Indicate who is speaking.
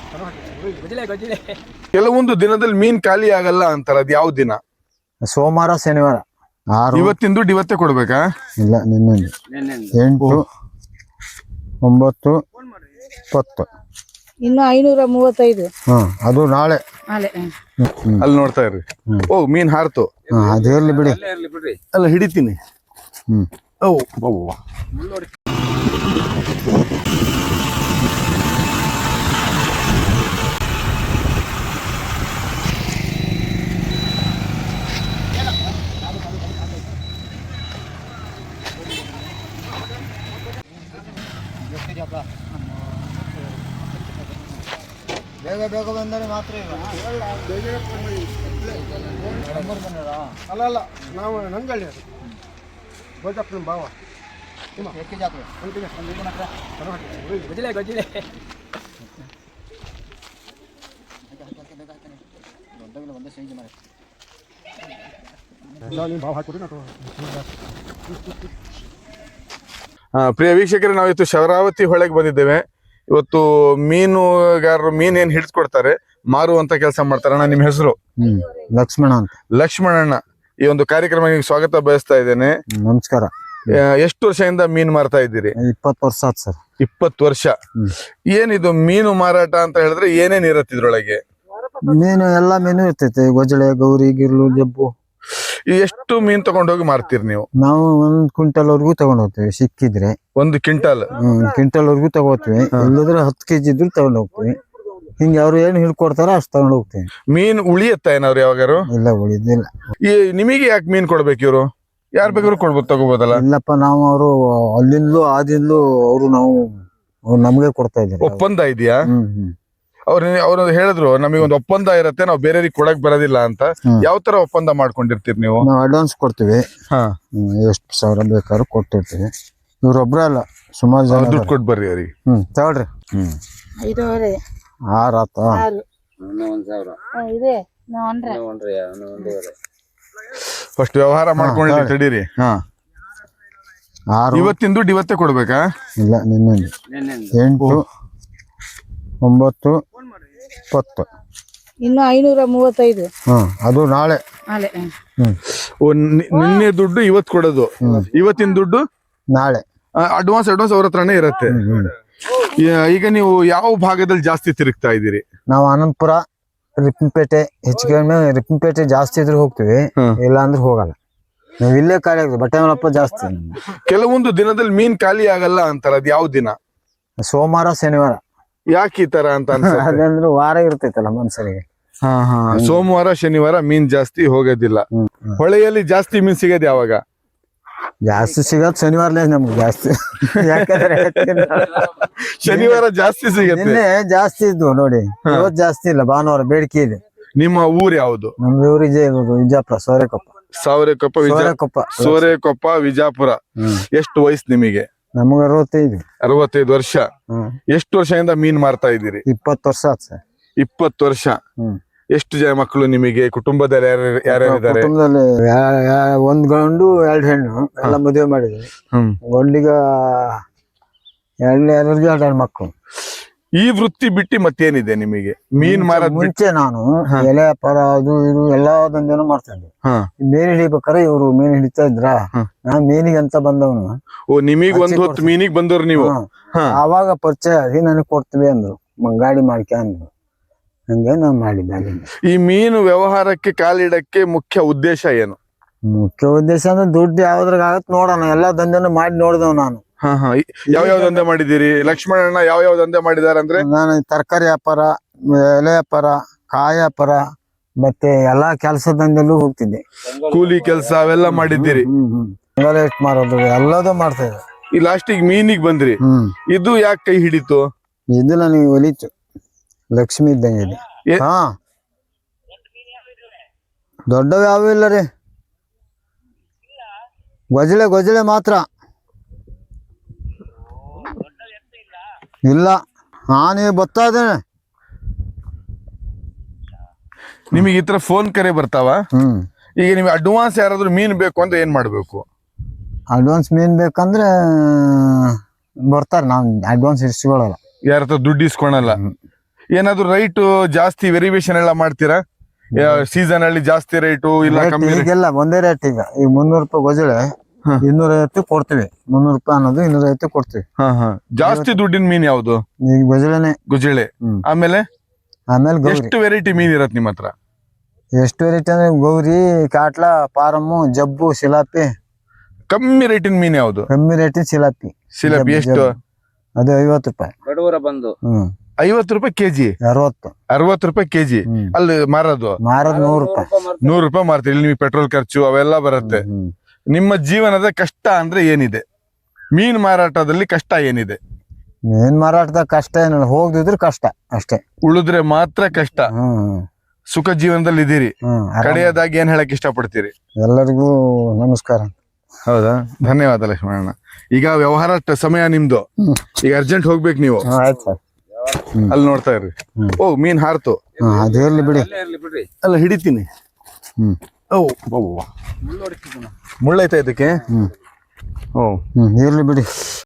Speaker 1: ಕೆಲವೊಂದು ದಿನದಲ್ಲಿ ಮೀನ್ ಖಾಲಿ ಆಗಲ್ಲ ಅಂತಾರ, ಅದ್ ಯಾವ ದಿನ?
Speaker 2: ಸೋಮವಾರ ಶನಿವಾರ.
Speaker 1: ಇವತ್ತಿನ ದುಡ್ಡು ಇವತ್ತೇ ಕೊಡ್ಬೇಕಾ?
Speaker 2: ಇಲ್ಲ, ನಿನ್ನೆ 8, 9, 10.
Speaker 3: ಇನ್ನು 535.
Speaker 2: ಅದು ನಾಳೆ.
Speaker 1: ಅಲ್ಲಿ ನೋಡ್ತಾ ಇರ್ರಿ. ಓ, ಮೀನ್ ಹಾರ್ತು.
Speaker 2: ಅದು ಇರ್ಲಿ ಬಿಡಿ.
Speaker 1: ಅಲ್ಲ, ಹಿಡಿತೀನಿ. ಓ ಬಾಬಾ,
Speaker 2: ಬೇಗ ಬೇಗ ಬಂದರೆ ಮಾತ್ರ.
Speaker 4: ಅಲ್ಲ ನಾವು ನಂಗಳ್ಳಿ ಅದು ಗೋಜಪ್ಪನ ಭಾವ.
Speaker 1: ಪ್ರಿಯ ವೀಕ್ಷಕರೇ, ನಾವಿತ್ತು ಶರಾವತಿ ಹೊಳೆಗೆ ಬಂದಿದ್ದೇವೆ. ಇವತ್ತು ಮೀನುಗಾರರು ಮೀನ್ ಏನ್ ಹಿಡಿಸ್ಕೊಡ್ತಾರೆ, ಮಾರುವಂತ ಕೆಲಸ ಮಾಡ್ತಾರೆ. ಅಣ್ಣ, ನಿಮ್ಮ ಹೆಸರು?
Speaker 2: ಲಕ್ಷ್ಮಣ ಅಂತ.
Speaker 1: ಲಕ್ಷ್ಮಣಣ್ಣ, ಈ ಒಂದು ಕಾರ್ಯಕ್ರಮಕ್ಕೆ ಸ್ವಾಗತ ಬಯಸ್ತಾ ಇದ್ದೇನೆ.
Speaker 2: ನಮಸ್ಕಾರ.
Speaker 1: ಎಷ್ಟು ವರ್ಷದಿಂದ ಮೀನ್ ಮಾರ್ತಾ ಇದ್ದೀರಿ?
Speaker 2: 20 ವರ್ಷ ಆಯ್ತು ಸರ್.
Speaker 1: 20 ವರ್ಷ. ಏನಿದು ಮೀನು ಮಾರಾಟ ಅಂತ ಹೇಳಿದ್ರೆ ಏನೇನ್ ಇರತ್ತೆ ಇದ್ರೊಳಗೆ?
Speaker 2: ಮೀನು ಎಲ್ಲಾ ಮೀನು ಇರ್ತೈತೆ. ಗೊಜಳೆ, ಗೌರಿ, ಗಿರ್ಲು, ಜಬ್ಬು.
Speaker 1: ಎಷ್ಟು ಮೀನ್ ತಗೊಂಡೋಗಿ ಮಾರ್ತೀರಿ ನೀವು?
Speaker 2: ನಾವು 1 ಕ್ವಿಂಟಲ್ ವರ್ಗು ತಗೊಂಡ್ ಹೋಗ್ತೀವಿ, ಸಿಕ್ಕಿದ್ರೆ.
Speaker 1: 1 ಕ್ವಿಂಟಲ್?
Speaker 2: 1 ಕ್ವಿಂಟಲ್ ವರ್ಗು ತಗೋತೀವಿ. ಇಲ್ಲದ್ರೆ 10 kg ಇದ್ರು ತಗೊಂಡ್ ಹೋಗ್ತೀವಿ. ಹಿಂಗೆ ಅವ್ರು ಏನ್ ಹಿಡ್ಕೊಡ್ತಾರ ಅಷ್ಟು ತಗೊಂಡ್ ಹೋಗ್ತೀವಿ.
Speaker 1: ಮೀನ್ ಉಳಿಯತ್ತ ಏನಾದ್ರು ಯಾವಾಗಾರು?
Speaker 2: ಇಲ್ಲ, ಉಳಿದಿಲ್ಲ.
Speaker 1: ಈ ನಿಮಗೆ ಯಾಕೆ ಮೀನ್ ಕೊಡ್ಬೇಕು ಇವ್ರು? ಯಾರ್ ಬೇಕಾದ್ರು ಕೊಡ್ಬೋದು, ತಗೋಬೋದಲ್ಲ?
Speaker 2: ಇಲ್ಲಪ್ಪ, ನಾವು ಅವರು ಅಲ್ಲಿಂದಲೂ ಆದಿಂದಲೂ ಅವ್ರು ನಮ್ಗೆ ಕೊಡ್ತಾ ಇದ್ದಾರೆ.
Speaker 1: ಒಪ್ಪಂದ ಇದೆಯಾ? ಅವ್ರು ಹೇಳಿದ್ರು ನಮಗೆ ಒಂದು ಒಪ್ಪಂದ ಇರತ್ತೆ, ನಾವು ಬೇರೆಯವ್ರಿಗೆ ಕೊಡಕ್ ಬರೋದಿಲ್ಲ ಅಂತ. ಯಾವ ತರ ಒಪ್ಪಂದ ಮಾಡ್ಕೊಂಡಿರ್ತೀರಿ ನೀವು?
Speaker 2: ನಾವು ಅಡ್ವಾನ್ಸ್ ಕೊಡ್ತೀವಿ. ಎಷ್ಟು ಸಾವಿರ ಬೇಕಾದ್ರೂ ಕೊಟ್ಟಿರ್ತೀವಿ. ಇವ್ರೊಬ್ರ ಅಲ್ಲ, ಸುಮಾರು ಜನ
Speaker 1: ದುಡ್ಡು ಕೊಟ್ಟು ಬರ್ರಿ ಅವ್ರಿಗೆ.
Speaker 2: ತಗೊಳ್ರಿ.
Speaker 3: 5,500.
Speaker 2: 6 ಆತ.
Speaker 1: ಫಸ್ಟ್ ವ್ಯವಹಾರ ಮಾಡ್ಕೊಂಡಿರಿ, ತಡೀರಿ. ಇವತ್ತಿನ ದುಡ್ಡು ಇವತ್ತೇ ಕೊಡ್ಬೇಕಾ?
Speaker 2: ಇಲ್ಲ, ನಿನ್ನೆ 8, 9, 10.
Speaker 3: ಇನ್ನು 535.
Speaker 2: ಅದು ನಾಳೆ.
Speaker 1: ನಿನ್ನೆ ದುಡ್ಡು ಇವತ್ತು ಕೊಡೋದು, ಇವತ್ತಿನ ದುಡ್ಡು ನಾಳೆ. ಅಡ್ವಾನ್ಸ್ ಅವ್ರ ಹತ್ರನೇ ಇರತ್ತೆ. ಈಗ ನೀವು ಯಾವ ಭಾಗದಲ್ಲಿ ಜಾಸ್ತಿ ತಿರುಗ್ತಾ ಇದ್ದೀರಿ?
Speaker 2: ನಾವು ಆನಂದಪುರ, ರಿಪ್ಪನ್ಪೇಟೆ, ಹೆಚ್ಚು ಕಡಿಮೆ ರಿಪ್ಪನ್ಪೇಟೆ ಜಾಸ್ತಿ ಇದ್ರೆ ಹೋಗ್ತೀವಿ, ಇಲ್ಲ ಅಂದ್ರೆ ಹೋಗಲ್ಲ. ನಾವ್ ಇಲ್ಲೇ ಖಾಲಿ ಆಗ್ತದೆ. ಬಟ್ಟೆ ಮಲಪ್ಪ ಜಾಸ್ತಿ.
Speaker 1: ಕೆಲವೊಂದು ದಿನದಲ್ಲಿ ಮೀನ್ ಖಾಲಿ ಆಗಲ್ಲ ಅಂತಾರ, ಅದ್ ಯಾವ ದಿನ?
Speaker 2: ಸೋಮವಾರ ಶನಿವಾರ.
Speaker 1: ಯಾಕೆ ಈ ತರ ಅಂತ?
Speaker 2: ಅದಂದ್ರೆ ವಾರ ಇರ್ತೈತಲ್ಲ ಮನ್ಸರಿಗೆ.
Speaker 1: ಸೋಮವಾರ ಶನಿವಾರ ಮೀನ್ ಜಾಸ್ತಿ ಹೋಗೋದಿಲ್ಲ. ಹೊಳೆಯಲ್ಲಿ ಜಾಸ್ತಿ ಮೀನ್ ಸಿಗೋದು ಯಾವಾಗ?
Speaker 2: ಜಾಸ್ತಿ ಸಿಗೋದ್ ಶನಿವಾರಲೇ ನಮ್ಗೆ ಜಾಸ್ತಿ. ಯಾಕಂದ್ರೆ
Speaker 1: ಶನಿವಾರ ಜಾಸ್ತಿ ಸಿಗುತ್ತೆ.
Speaker 2: ನಿನ್ನೆ ಜಾಸ್ತಿ ಇದ್ವು ನೋಡಿ, ಇವತ್ತು ಜಾಸ್ತಿ ಇಲ್ಲ. ಭಾನುವಾರ ಬೇಡಿಕೆ ಇದೆ.
Speaker 1: ನಿಮ್ಮ ಊರ್ ಯಾವುದು?
Speaker 2: ನಮ್ದು ಊರು ವಿಜಯಪುರ,
Speaker 1: ಸೋರೆಕೊಪ್ಪ, ವಿಜಯಪುರ. ಎಷ್ಟು ವಯಸ್ಸು ನಿಮಗೆ?
Speaker 2: ನಮಗ
Speaker 1: 65 ವರ್ಷ. ಎಷ್ಟು ವರ್ಷದಿಂದ ಮೀನ್ ಮಾರ್ತಾ ಇದ್ದೀರಿ?
Speaker 2: 20 ವರ್ಷ ಆಯ್ತು ಸರ್.
Speaker 1: 20 ವರ್ಷ. ಎಷ್ಟು ಜನ ಮಕ್ಕಳು ನಿಮಗೆ? ಕುಟುಂಬದಲ್ಲಿ ಯಾರ್ಯಾರಿದ್ದಾರೆ?
Speaker 2: ಕುಟುಂಬದಲ್ಲಿ 1 ಗಂಡು 2 ಹೆಣ್ಣು ಎಲ್ಲ ಮದುವೆ ಮಾಡಿದ್ವಿ. ಗಂಡಿಗ 2 ಮಕ್ಕಳು.
Speaker 1: ಈ ವೃತ್ತಿ ಬಿಟ್ಟು ಮತ್ತೇನಿದೆ ನಿಮಗೆ? ಮೀನ್ ಮಾರೋದ್
Speaker 2: ಮುಂಚೆ ನಾನು ಎಲೆ ವ್ಯಾಪಾರ ಅದು ಇದು ಎಲ್ಲಾ ದಂಧೆನೂ ಮಾಡ್ತಾ ಇದ್ದೆ. ಮೀನ್ ಹಿಡಿಬೇಕಾರೆ ಇವ್ರು ಮೀನ್ ಹಿಡಿತಾ ಇದ್ರ, ನಾನ್ ಮೀನಿಗೆ ಅಂತ ಬಂದವನು.
Speaker 1: ಓ, ನಿಮಗ್ ಒಂದ್ ಹೊತ್ತು ಮೀನಿಗೆ ಬಂದವ್ರು ನೀವು?
Speaker 2: ಆವಾಗ ಪರಿಚಯ ಆಗಿ ನನಗೆ ಕೊಡ್ತೀವಿ ಅಂದ್ರು, ಗಾಡಿ ಮಾಡ್ಕೆ ಅಂದ್ರು. ಹಂಗೆ ನಾನ್ ಮಾಡಿದ್ದೆ.
Speaker 1: ಈ ಮೀನು ವ್ಯವಹಾರಕ್ಕೆ ಕಾಲಿಡಕ್ಕೆ ಮುಖ್ಯ ಉದ್ದೇಶ ಏನು?
Speaker 2: ಮುಖ್ಯ ಉದ್ದೇಶ ಅಂದ್ರೆ ದುಡ್ಡು ಯಾವ್ದ್ರಾಗ ಆಗತ್ ನೋಡೋಣ. ಎಲ್ಲಾ ದಂಧೆನೂ ಮಾಡಿ ನೋಡಿದವ್ ನಾನು.
Speaker 1: ಯಾವ ದಂಧೆ ಮಾಡಿದ್ದೀರಿ? ಲಕ್ಷ್ಮಣಣ್ಣ ಯಾವ ದಂಧೆ ಮಾಡಿದಾರೆ ಅಂದ್ರೆ?
Speaker 2: ನಾನು ತರಕಾರಿ ವ್ಯಾಪಾರ, ಎಲೆ ವ್ಯಾಪಾರ, ಕಾಯಿ ವ್ಯಾಪಾರ, ಮತ್ತೆ ಎಲ್ಲಾ ಕೆಲಸ ದಂಧೆಲ್ಲೂ ಹೋಗ್ತಿದ್ದೆ.
Speaker 1: ಕೂಲಿ ಕೆಲಸ ಅವೆಲ್ಲ ಮಾಡಿದ್ದೀರಿ?
Speaker 2: ಮಾರೋದು ಎಲ್ಲದೂ ಮಾಡ್ತಾ ಇದ್ದೆ.
Speaker 1: ಈ ಲಾಸ್ಟಿಗೆ ಮೀನಿಗೆ ಬಂದ್ರಿ. ಇದು ಯಾಕೆ ಕೈ ಹಿಡಿತು?
Speaker 2: ಇದು ನನಗೆ ಒಲಿತು. ಲಕ್ಷ್ಮಿ ಇದ್ದಂಗೆ ಇದೆ. ದೊಡ್ಡವ ಯಾವ ಇಲ್ಲ ರೀ, ಗೊಜಳೆ ಮಾತ್ರ ಇಲ್ಲ. ನೀವು ಬರ್ತಾ ಇದ್ದೇನೆ.
Speaker 1: ನಿಮಗೆ ಈ ತರ ಫೋನ್ ಕರೆ ಬರ್ತಾವ? ಈಗ ನಿಮ್ಗೆ ಅಡ್ವಾನ್ಸ್ ಯಾರಾದ್ರೂ ಮೀನ್ ಬೇಕು ಅಂದ್ರೆ ಏನ್ ಮಾಡ್ಬೇಕು?
Speaker 2: ಅಡ್ವಾನ್ಸ್ ಮೀನ್ ಬೇಕಂದ್ರೆ ಬರ್ತಾರೆ. ನಾವ್ ಅಡ್ವಾನ್ಸ್ ಇಸ್ಕೊಳ್ಳಲ್ಲ,
Speaker 1: ಯಾರ ಹತ್ರ ದುಡ್ಡು ಇಸ್ಕೊಳಲ್ಲ. ಏನಾದ್ರು ರೈಟ್ ಜಾಸ್ತಿ ವೆರಿವೇಶನ್ ಎಲ್ಲ ಮಾಡ್ತೀರಾ? ಸೀಸನ್ ಅಲ್ಲಿ ಜಾಸ್ತಿ ರೇಟು ಇಲ್ಲ ಕಮ್ಮಿ rate?
Speaker 2: ಈಗೆಲ್ಲ ಒಂದೇ ರೇಟ್ ಈಗ 300 ರೂಪಾಯಿ ಗೊಜಳೆ 250 ಕೊಡ್ತೀವಿ. 300 ರೂಪಾಯಿ ಅನ್ನೋದು 250 ಕೊಡ್ತೀವಿ.
Speaker 1: ಜಾಸ್ತಿ ದುಡ್ಡಿನ ಮೀನ್ ಯಾವ್ದು?
Speaker 2: ಈಗ ಗೊಜಳೆನೆ.
Speaker 1: ಗುಜಳೆ. ಆಮೇಲೆ
Speaker 2: ಗೌರಿ.
Speaker 1: ಎಷ್ಟು ವೆರೈಟಿ ಮೀನ್ ಇರತ್ ನಿಮ್ಮ ಹತ್ರ?
Speaker 2: ಎಷ್ಟು ವೆರೈಟಿ ಅಂದ್ರೆ ಗೌರಿ, ಕಾಟ್ಲ, ಪಾರಮ್ಮು, ಜಬ್ಬು, ಸಿಲಾಪಿ.
Speaker 1: ಕಮ್ಮಿ ರೇಟಿನ ಮೀನ್ ಯಾವ್ದು?
Speaker 2: ಕಮ್ಮಿ ರೇಟಿನ ಸಿಲಾಪಿ.
Speaker 1: ಸಿಲಾಪಿ ಎಷ್ಟು?
Speaker 2: ಅದು 50 ರೂಪಾಯಿ.
Speaker 1: 50 ರೂಪಾಯಿ ಕೆಜಿ? 60 ರೂಪಾಯಿ ಕೆಜಿ. ಅಲ್ಲಿ ಮಾರೋದು
Speaker 2: 100 ರೂಪಾಯಿ.
Speaker 1: 100 ರೂಪಾಯಿ ಮಾರ್ತೀರಿ. ಇಲ್ಲಿ ನಿಮಗೆ ಪೆಟ್ರೋಲ್ ಖರ್ಚು ಅವೆಲ್ಲ ಬರುತ್ತೆ. ನಿಮ್ಮ ಜೀವನದ ಕಷ್ಟ ಅಂದ್ರೆ ಏನಿದೆ? ಮೀನ್ ಮಾರಾಟದಲ್ಲಿ ಕಷ್ಟ ಏನಿದೆ?
Speaker 2: ಮೀನ್ ಮಾರಾಟದ ಕಷ್ಟ ಏನಿಲ್ಲ, ಹೋಗ್ದಿದ್ರೆ ಕಷ್ಟ ಅಷ್ಟೇ.
Speaker 1: ಉಳಿದ್ರೆ ಮಾತ್ರ ಕಷ್ಟ. ಸುಖ ಜೀವನದಲ್ಲಿ ಇದೀರಿ. ಕಡೆಯದಾಗಿ ಏನ್ ಹೇಳಕ್ ಇಷ್ಟಪಡ್ತೀರಿ?
Speaker 2: ಎಲ್ಲರಿಗೂ ನಮಸ್ಕಾರ.
Speaker 1: ಹೌದಾ? ಧನ್ಯವಾದ ಲಕ್ಷ್ಮಣಣ್ಣ. ಈಗ ವ್ಯವಹಾರ ಸಮಯ ನಿಮ್ದು, ಈಗ ಅರ್ಜೆಂಟ್ ಹೋಗ್ಬೇಕು ನೀವು.
Speaker 2: ಆಯ್ತು ಸರ್.
Speaker 1: ಅಲ್ಲಿ ನೋಡ್ತಾ ಇರ್ರಿ. ಓ, ಮೀನ್ ಹಾರ್ತು.
Speaker 2: ಅದು ಇರ್ಲಿ ಬಿಡಿ.
Speaker 1: ಅಲ್ಲ, ಹಿಡಿತೀನಿ. ಓ, ಮುಳ್ಳೈತಾ ಇದಕ್ಕೆ? ಓ,
Speaker 2: ಇರ್ಲಿ ಬಿಡಿ.